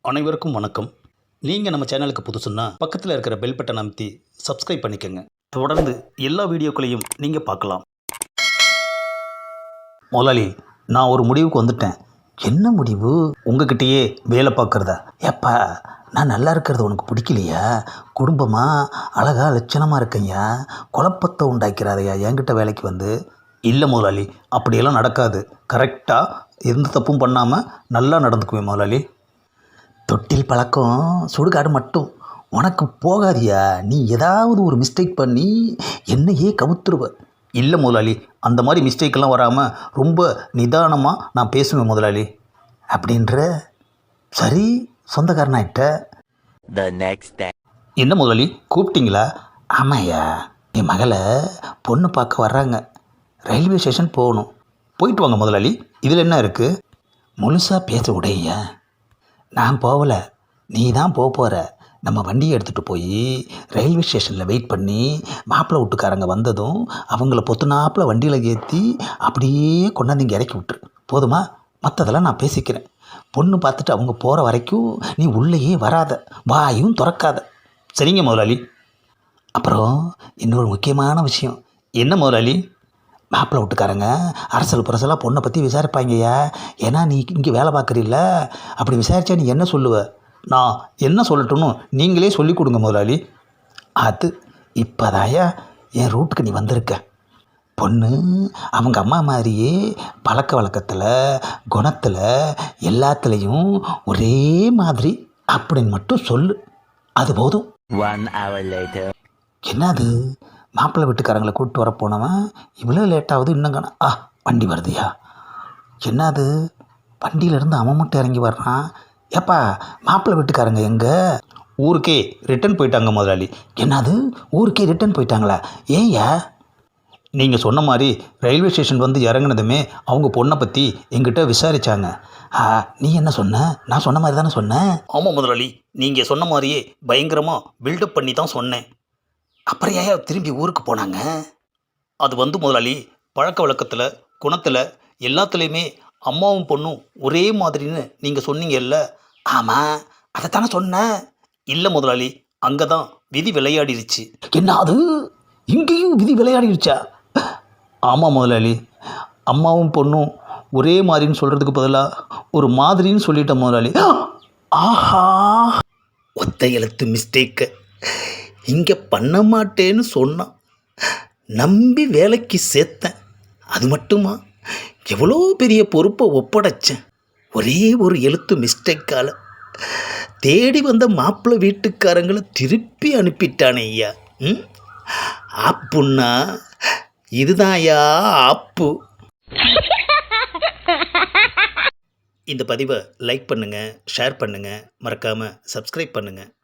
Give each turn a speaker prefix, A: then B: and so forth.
A: அனைவருக்கும் வணக்கம். நீங்கள் நம்ம சேனலுக்கு புதுசுன்னா பக்கத்தில் இருக்கிற பெல் பட்டன் அமைத்தி சப்ஸ்கிரைப் பண்ணிக்கோங்க. தொடர்ந்து எல்லா வீடியோக்களையும் நீங்கள் பார்க்கலாம். முதலாளி, நான் ஒரு முடிவுக்கு வந்துட்டேன். என்ன முடிவு? உங்ககிட்டயே வேலை பார்க்குறதா? ஏப்பா, நான் நல்லா இருக்கிறது உனக்கு பிடிக்கலையா? குடும்பமாக அழகா லட்சணமாக இருக்கையா, குழப்பத்தை உண்டாக்கிறாதையா என்கிட்ட வேலைக்கு வந்து. இல்லை முதலாளி, அப்படியெல்லாம் நடக்காது. கரெக்டாக எந்த தப்பும் பண்ணாமல் நல்லா நடந்துக்குவேன் முதலாளி. தொட்டில் பழக்கம் சுடுகாடு மட்டும் உனக்கு போகாதியா? நீ ஏதாவது ஒரு மிஸ்டேக் பண்ணி என்னையே கவுத்துருவ. இல்லை முதலாளி, அந்த மாதிரி மிஸ்டேக்கெல்லாம் வராமல் ரொம்ப நிதானமாக நான் பேசுவேன் முதலாளி. அப்படின்ற சரி, சொந்தக்காரனாயிட்ட.
B: The next day.
A: என்ன முதலாளி, கூப்பிட்டீங்களா? ஆமாய்யா, என் மகளை பொண்ணு பார்க்க வர்றாங்க. ரயில்வே ஸ்டேஷன் போகணும். போயிட்டு வாங்க முதலாளி, இதில் என்ன இருக்குது? முழுசாக பேச உடையா? நான் போகலை, நீ தான் போகிற. நம்ம வண்டியை எடுத்துகிட்டு போய் ரயில்வே ஸ்டேஷனில் வெயிட் பண்ணி மாப்பிள்ளை வீட்டுக்காரங்க வந்ததும் அவங்கள பொத்துனாப்பில் வண்டியில் ஏற்றி அப்படியே கொண்டாந்து இங்கே இறக்கி விட்டுரு. போதுமா? மற்றதெல்லாம் நான் பேசிக்கிறேன். பொண்ணு பார்த்துட்டு அவங்க போகிற வரைக்கும் நீ உள்ளேயே வராத, வாயும் திறக்காத. சரிங்க முதலாளி. அப்புறம் இன்னொரு முக்கியமான விஷயம். என்ன முதலாளி? மாப்பிள்ளை வீட்டுக்காரங்க அரசல் புரசலாக பொண்ணை பற்றி விசாரிப்பாங்கய்யா. ஏன்னா நீ இங்கே வேலை பார்க்குறீல்ல, அப்படி விசாரித்தா நீ என்ன சொல்லுவ? நான் என்ன சொல்லட்டும்னு நீங்களே சொல்லி கொடுங்க முதலாளி. அது இப்போதாயா என் ரூட்டுக்கு நீ வந்திருக்க. பொண்ணு அவங்க அம்மா மாதிரியே பழக்க வழக்கத்தில், குணத்தில், எல்லாத்துலேயும் ஒரே மாதிரி அப்படின்னு மட்டும் சொல்லு. அது போதும்.
B: 1 hour later.
A: என்னது, மாப்பிள்ளை வீட்டுக்காரங்களை கூப்பிட்டு வர போனவன் இவ்வளோ லேட்டாகுது இன்னும் காணோம். வண்டி வருதுயா. என்னது, வண்டியிலேருந்து அவன் மட்டும் இறங்கி வர்றான். ஏப்பா, மாப்பிள்ளை வீட்டுக்காரங்க எங்கே? ஊருக்கே ரிட்டன் போயிட்டாங்க முதலாளி. என்னது, ஊருக்கே ரிட்டன் போயிட்டாங்களா? ஏன்யா? நீங்கள் சொன்ன மாதிரி ரயில்வே ஸ்டேஷன் வந்து இறங்குனதுமே அவங்க பொண்ணை பற்றி எங்கிட்ட விசாரித்தாங்க. நீ என்ன சொன்ன? நான் சொன்ன மாதிரி தானே சொன்னேன். ஆமாம் முதலாளி, நீங்கள் சொன்ன மாதிரியே பயங்கரமாக பில்டப் பண்ணி தான் சொன்னேன். அப்புறம் ஏன் திரும்பி ஊருக்கு போனாங்க? அது வந்து முதலாளி, பழக்க வழக்கத்தில், குணத்தில், எல்லாத்துலேயுமே அம்மாவும் பொண்ணும் ஒரே மாதிரின்னு நீங்கள் சொன்னீங்கல்ல. ஆமாம், அதைத்தானே சொன்னேன். இல்லை முதலாளி, அங்கே தான் விதி விளையாடிருச்சு. என்ன அது, இங்கேயும் விதி விளையாடிருச்சா? ஆமாம் முதலாளி, அம்மாவும் பொண்ணும் ஒரே மாதிரின்னு சொல்கிறதுக்கு பதிலாக ஒரு மாதிரின்னு சொல்லிட்டேன் முதலாளி. ஆஹா, ஒத்த எழுத்து மிஸ்டேக்கு இங்கே பண்ண மாட்டேன்னு சொன்னான். நம்பி வேலைக்கு சேர்த்தேன். அது மட்டுமா, எவ்வளோ பெரிய பொறுப்பை ஒப்படைச்சேன். ஒரே ஒரு எழுத்து மிஸ்டேக்கால் தேடி வந்த மாப்பிள்ளை வீட்டுக்காரங்களை திருப்பி அனுப்பிட்டானே ஐயா. ஆப்புன்னா இதுதான் ஐயா ஆப்பு. இந்த பதிவை லைக் பண்ணுங்கள், ஷேர் பண்ணுங்கள், மறக்காமல் சப்ஸ்கிரைப் பண்ணுங்கள்.